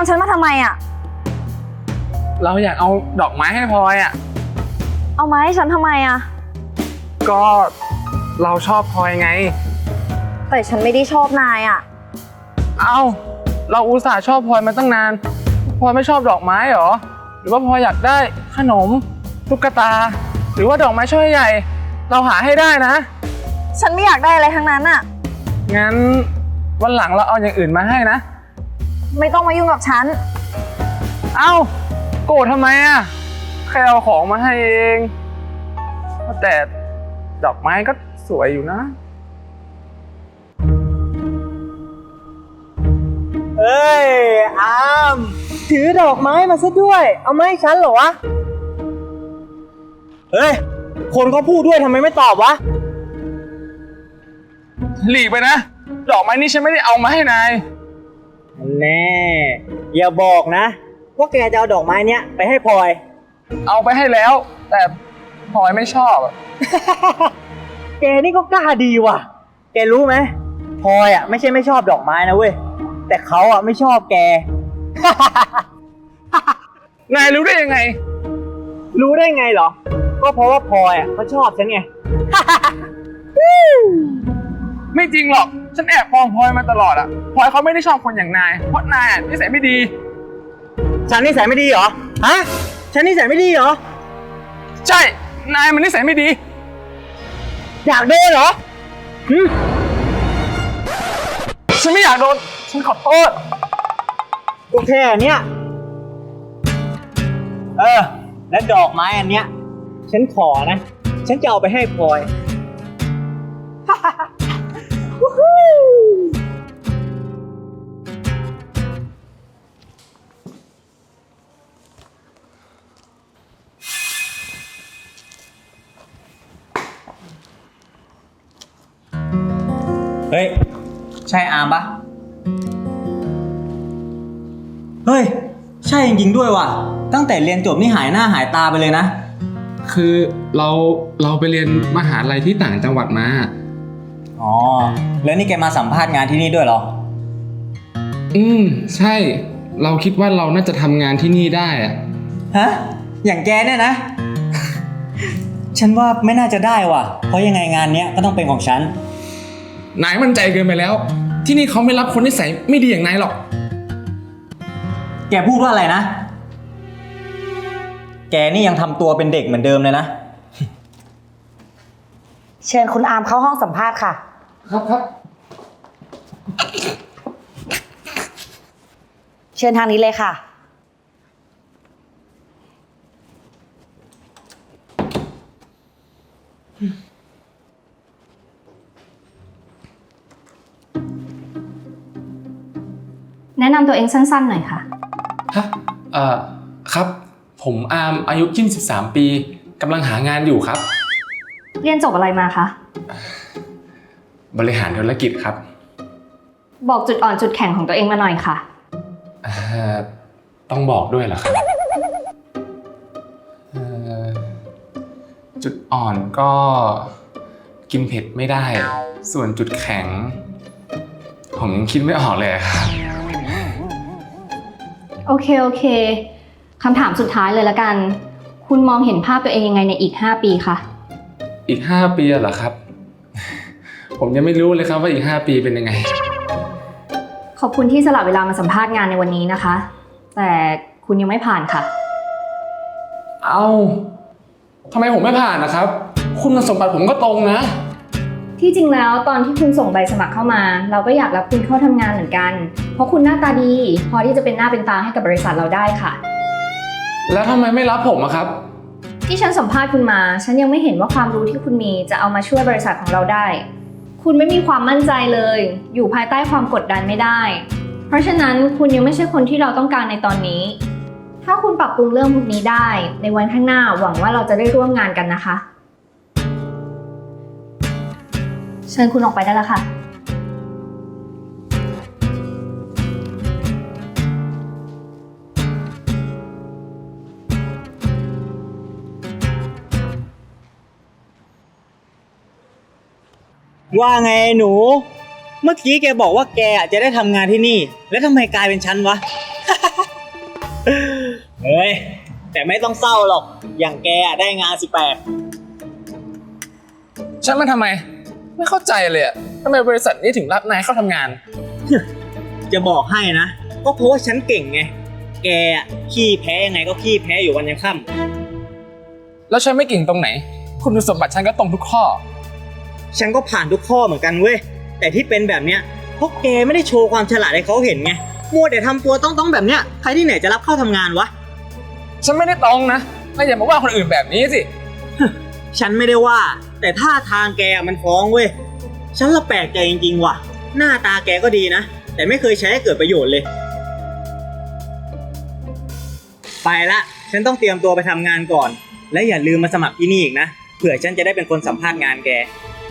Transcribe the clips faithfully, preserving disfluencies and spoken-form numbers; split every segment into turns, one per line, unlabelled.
ฉันมาทำไมอ่ะ
เราอยากเอาดอกไม้ให้พลอยอ่ะ
เอามาให้ฉันทำไมอ่ะ
ก็เราชอบพลอยไง
แต่ฉันไม่ได้ชอบนายอ่ะ
เอ้าเราอุตส่าห์ชอบพลอยมาตั้งนานพลอยไม่ชอบดอกไม้เหรอหรือว่าพลอยอยากได้ขนมตุ๊กตาหรือว่าดอกไม้ช่อใหญ่เราหาให้ได้นะ
ฉันไม่อยากได้อะไรทั้งนั้นอ่ะ
งั้นวันหลังเราเอาอย่างอื่นมาให้นะ
ไม่ต้องมายุ่งกับฉัน
เอ้าโกรธทำไมอ่ะแค่เอาของมาให้เองแต่ดอกไม้ก็สวยอยู่นะ
เอ้ยอามถือดอกไม้มาซะด้วยเอามาให้ฉันเหรอวะเฮ้ยคนเขาพูดด้วยทำไมไม่ตอบวะ
หลีกไปนะดอกไม้นี่ฉันไม่ได้เอามาให้นาย
แน่อย่าบอกนะว่าแกจะเอาดอกไม้เนี้ยไปให้พลอย
เอาไปให้แล้วแต่พลอยไม่ชอบ
แกนี่ก็กล้าดีว่ะแกรู้ไหมพลอยอ่ะไม่ใช่ไม่ชอบดอกไม้นะเว้ยแต่เขาอ่ะไม่ชอบแก
นายรู้ได้ยังไง
รู้ได้ไงเหรอก็เพราะว่าพลอยอ่ะเขาชอบฉันไง
ไม่จริงหรอกฉันแอบมองพลอยมาตลอดอ่ะพลอยเขาไม่ได้ชอบคนอย่างนายเพราะนายอ่ะนิสัยไม่ดี
ฉันนิสัยไม่ดีเหรอฮะฉันนิสัยไม่ดีเหรอ
ใช่นายมันนิสัยไม่ดี
อยากโดนเหรอ
ฉันไม่อยากโดนฉันขอโทษ
โอเคเนี้ยเออและดอกไม้อันเนี้ยฉันขอนะฉันจะเอาไปให้พลอยเฮ้ยใช่อามปะเฮ้ยใช่จริงๆด้วยว่ะตั้งแต่เรียนจบนี่หายหน้าหายตาไปเลยนะ
คือเราเราไปเรียนมหาลัยที่ต่างจังหวัดมา
อ๋อแล้วนี่แกมาสัมภาษณ์งานที่นี่ด้วยเหรอ
อืมใช่เราคิดว่าเราน่าจะทำงานที่นี่ได้อะ
ฮะอย่างแกเนี่ยนะ ฉันว่าไม่น่าจะได้ว่ะเพราะยังไงงานเนี้ยก็ต้องเป็นของฉัน
นายมั่นใจเกินไปแล้วที่นี่เขาไม่รับคนนิสัยไม่ดีอย่างนายหรอก
แกพูดว่าอะไรนะแกนี่ยังทำตัวเป็นเด็กเหมือนเดิมเลยนะ
เชิญคุณอามเข้าห้องสัมภาษณ์ค่ะ
ครับครับ
เชิญทางนี้เลยค่ะ
แนะนำตัวเองสั้นๆหน่อยค่ะ
ฮะเอ่อครับผมอาร์มอายุยี่สิบสามปีกำลังหางานอยู่ครับ
เรียนจบอะไรมาคะ
บริหารธุรกิจครับ
บอกจุดอ่อนจุดแข็งของตัวเองมาหน่อยค่ะ
เอ่อต้องบอกด้วยเหรอครับเอ่อจุดอ่อนก็กินเผ็ดไม่ได้ส่วนจุดแข็งผมยังคิดไม่ออกเลยครับ
โอเคโอเคคำถามสุดท้ายเลยละกันคุณมองเห็นภาพตัวเองยังไงในอีกห้าปีคะ
อีกห้าปีเหรอครับผมยังไม่รู้เลยครับว่าอีกห้าปีเป็นยังไง
ขอบคุณที่สละเวลามาสัมภาษณ์งานในวันนี้นะคะแต่คุณยังไม่ผ่านค่ะ
เอ้าทำไมผมไม่ผ่านนะครับคุณสมบัติผมก็ตรงนะ
ที่จริงแล้วตอนที่คุณส่งใบสมัครเข้ามาเราก็อยากรับคุณเข้าทำงานเหมือนกันเพราะคุณหน้าตาดีพอที่จะเป็นหน้าเป็นตาให้กับบริษัทเราได้ค่ะ
แล้วทำไมไม่รับผมอะครับ
ที่ฉันสัมภาษณ์คุณมาฉันยังไม่เห็นว่าความรู้ที่คุณมีจะเอามาช่วยบริษัทของเราได้คุณไม่มีความมั่นใจเลยอยู่ภายใต้ความกดดันไม่ได้เพราะฉะนั้นคุณยังไม่ใช่คนที่เราต้องการในตอนนี้ถ้าคุณปรับปรุงเรื่องพวกนี้ได้ในวันข้างหน้าหวังว่าเราจะได้ร่วมงานกันนะคะเชิญคุณออกไปได้แล้วค่ะ
ว่าไงหนูเมื่อกี้แกบอกว่าแกจะได้ทำงานที่นี่แล้วทำไมกลายเป็นฉันวะเฮ้ย แต่ไม่ต้องเศร้าหรอก อย่างแกอะได้งานสิแปด
ฉันมาทำไม ไม่เข้าใจเลยอะทำไมบริษัทนี้ถึงรับนายเข้าทำงาน
จะบอกให้นะ ก็เพราะว่าฉันเก่งไง แกอะขี้แพ้ยังไงก็ขี้แพ้อยู่วันยังค่ำ
แล้วฉันไม่เก่งตรงไหน คุณสมบัติฉันก็ตรงทุกข้อ
ฉันก็ผ่านทุกข้อเหมือนกันเว้ย แต่ที่เป็นแบบเนี้ยเพราะแกไม่ได้โชว์ความฉลาดให้เขาเห็นไง มัวแต่ทำตัวต้องๆแบบเนี้ย ใครที่ไหนจะรับเข้าทำงานวะ
ฉันไม่ได้ตรงนะนายอย่ามาว่าคนอื่นแบบนี้สิ
ฉันไม่ได้ว่า แต่ท่าทางแกมันฟ้องเว้ย ฉันละแปลกใจจริงๆว่ะ หน้าตาแกก็ดีนะ แต่ไม่เคยใช้ให้เกิดประโยชน์เลย ไปละ ฉันต้องเตรียมตัวไปทำงานก่อน และอย่าลืมมาสมัครที่นี่อีกนะ เผื่อฉันจะได้เป็นคนสัมภาษณ์งานแก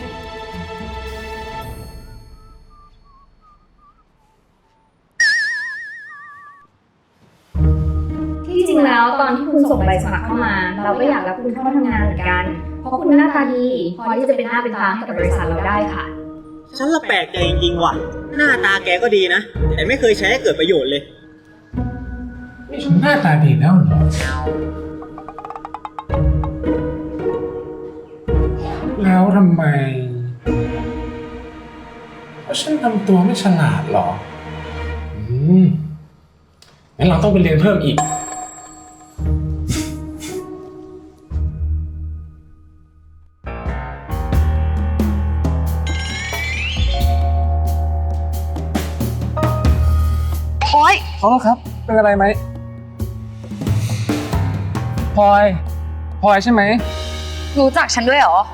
ที่จริงแล้วตอนที่คุณส่งใบสมัครเข้ามา เราก็อยากรับคุณเข้าทำงานเหมือนกัน เพราะคุณหน้าตาดีพอที่จะเป็นหน้าเป็นตาให้กับบริษัทเราได้ค่ะ
ฉันละแปลกใจจริงๆว่ะ หน้าตาแกก็ดีนะ แต่ไม่เคยใช้ให้เกิดประโยชน์เลย
นี่ฉันหน้าตาดีแล้วเหรอ แล้วทำไมเพราะฉันทำตัวไม่ฉลาดเหรอ อืมงั้นเราต้องไปเรียนเพิ่มอีก
โอ๊ย
ขอโทษครับ เป็นอะไรไหมพลอยพลอยใช่ไหม
รู้จักฉันด้วยเหรอ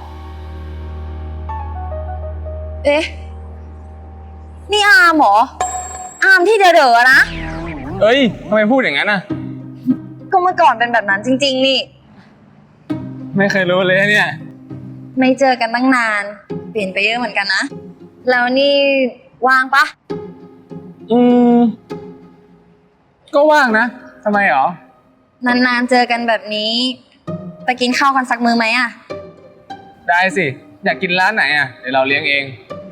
เอ๊ะ นี่อาร์มเหรอ อาร์มที่เด๋อๆนะ
เอ้ยทำไมพูดอย่างนั้นน่ะ
ก็เมื่อก่อนเป็นแบบนั้นจริงๆนี่
ไม่เคยรู้เลยเนี่ย
ไม่เจอกันตั้งนาน เปลี่ยนไปเยอะเหมือนกันนะ แล้วนี่ว่างปะ
อืม ก็ว่างนะทำไมหรอ
นานๆเจอกันแบบนี้ ไปกินข้าวกันสักมื้อไหมอะ
ได้สิ อยากกินร้านไหนอ่ะ เดี๋ยวเราเลี้ยงเอง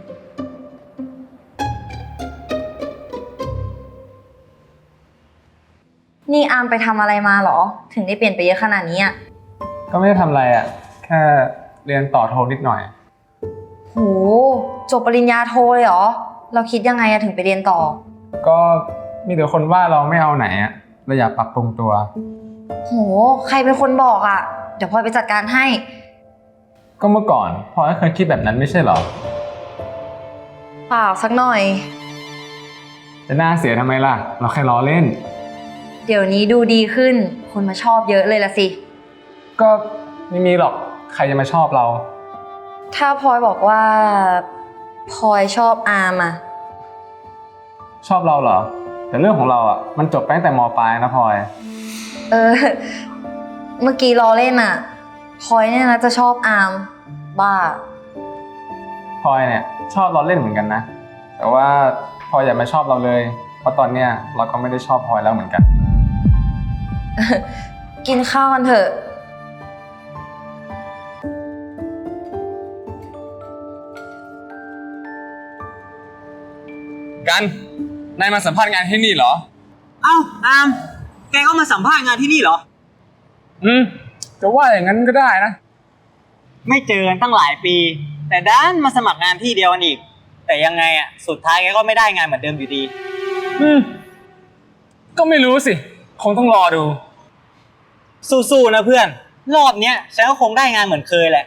นี่อาร์มไปทำอะไรมาเหรอ ถึงได้เปลี่ยนไปเยอะขนาดนี้อะ
ก็ไม่ได้ทำอะไรอ่ะ แค่เรียนต่อโทนิดหน่อย
โห จบปริญญาโทเลยเหรอ เราคิดยังไงอะถึงไปเรียนต่อ
ก็มีแต่คนว่าเราไม่เอาไหนอ่ะเราอยากปรับปรุงตัว
โห ใครเป็นคนบอกอะเดี๋ยวพลอยไปจัดการให้
ก็เมื่อก่อนพลอยก็เคยคิดแบบนั้นไม่ใช่หรอ
เปล่าสักหน่อย
จะน่าเสียทำไมล่ะ เราแค่ล้อเล่น
เดี๋ยวนี้ดูดีขึ้น คนมาชอบเยอะเลยละสิ
ก็ไม่มีหรอก ใครจะมาชอบเรา
ถ้าพลอยบอกว่าพลอยชอบอาร์มอะ
ชอบเราเหรอ แต่เรื่องของเราอ่ะ มันจบไปตั้งแต่ม.ปลายนะพลอย
เออ เมื่อกี้ล้อเล่นอะพลอยเนี่ยนะจะชอบอาร์มบ้า
พลอยเนี่ยชอบเราเล่นเหมือนกันนะ แต่ว่าพลอยอย่ามาชอบเราเลย เพราะตอนเนี้ยเราก็ไม่ได้ชอบพลอยแล้วเหมือนกัน
กินข้าวกันเถอะ
กัน นายมาสัมภาษณ์งานที่นี่เหรอ
เอ้าอาม แกก็มาสัมภาษณ์งานที่นี่เหรอ
อืม จะว่าอย่างนั้นก็ได้นะ
ไม่เจอกันตั้งหลายปี แต่ด้านมาสมัครงานที่เดียวกันอีก แต่ยังไงอ่ะ สุดท้ายแกก็ไม่ได้งานเหมือนเดิมอยู่ดี
อืม ก็ไม่รู้สิ คงต้องรอดู
สู้ๆนะเพื่อน รอบเนี้ยฉันก็คงได้งานเหมือนเคยแหละ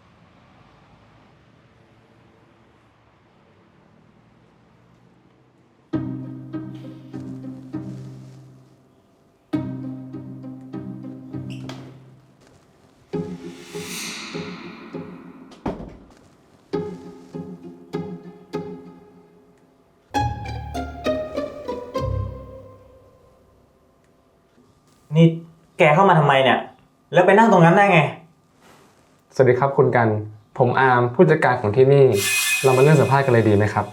นี่แกเข้ามาทำไมเนี่ย แล้วไปนั่งตรงนั้นได้ไง
สวัสดีครับคุณกัน ผมอาร์มผู้จัดการของที่นี่ เรามาเริ่มสัมภาษณ์กันเลยดีไหมครับ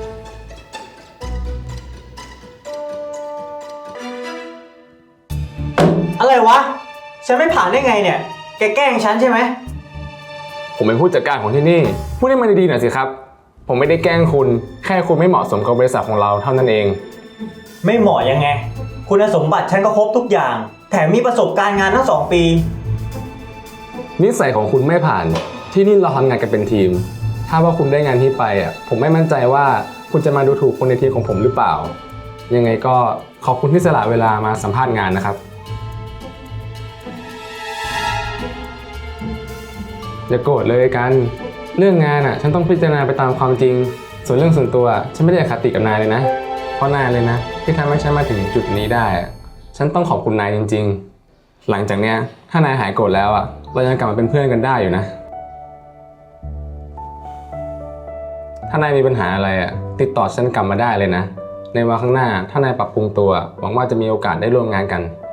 อะไรวะ ฉันไม่ผ่านได้ไงเนี่ย แกแกล้งฉันใช่ไหม
ผมเป็นผู้จัดการของที่นี่ พูดให้มันดีๆหน่อยสิครับ ผมไม่ได้แกล้งคุณ แค่คุณไม่เหมาะสมกับบริษัทของเราเท่านั้นเอง
ไม่เหมาะยังไงคุณสมบัติฉันก็ครบทุกอย่าง แถมมีประสบการณ์งานทั้งสองปี
นิสัยของคุณไม่ผ่านที่นี่เราทำงานกันเป็นทีม ถ้าว่าคุณได้งานที่ไปอ่ะผมไม่มั่นใจว่าคุณจะมาดูถูกคนในทีมของผมหรือเปล่า ยังไงก็ขอบคุณที่สละเวลามาสัมภาษณ์งานนะครับอย่าโกรธเลยกันเรื่องงานอ่ะฉันต้องพิจารณาไปตามความจริง ส่วนเรื่องส่วนตัวฉันไม่ได้อคติกับนายเลยนะเพราะนายเลยนะที่ทำให้ฉันมาถึงจุดนี้ได้อ่ะฉันต้องขอบคุณนายจริงๆหลังจากเนี้ยถ้านายหายโกรธแล้วอ่ะเรายังกลับมาเป็นเพื่อนกันได้อยู่นะถ้านายมีปัญหาอะไรอ่ะติดต่อฉันกลับมาได้เลยนะในวันข้างหน้าถ้านายปรับปรุงตัวหวังว่าจะมีโอกาสได้ร่วมงานกัน